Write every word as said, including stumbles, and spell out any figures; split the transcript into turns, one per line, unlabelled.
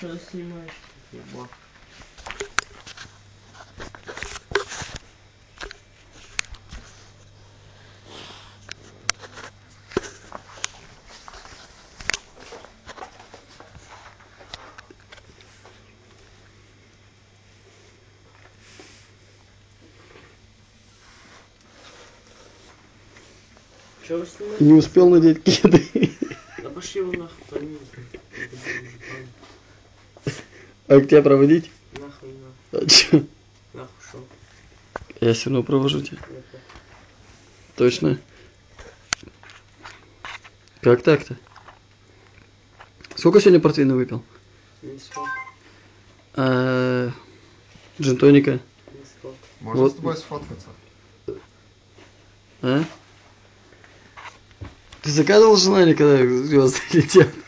что снимаешь? Ебать. Что вы снимаете?
Не успел надеть кеды.
Да пошли вы нахуй, пойми.
А к тебя проводить?
Нахуй не надо.
А чё?
Нахуй шо?
Я все равно провожу тебя.
Это.
Точно? Как так-то? Сколько сегодня портвейна выпил?
Не сколько.
А, джин-тоника?
Не сколько.
Можно
Вот.
с тобой сфоткаться?
А? Ты загадывал желание, когда звезды летят?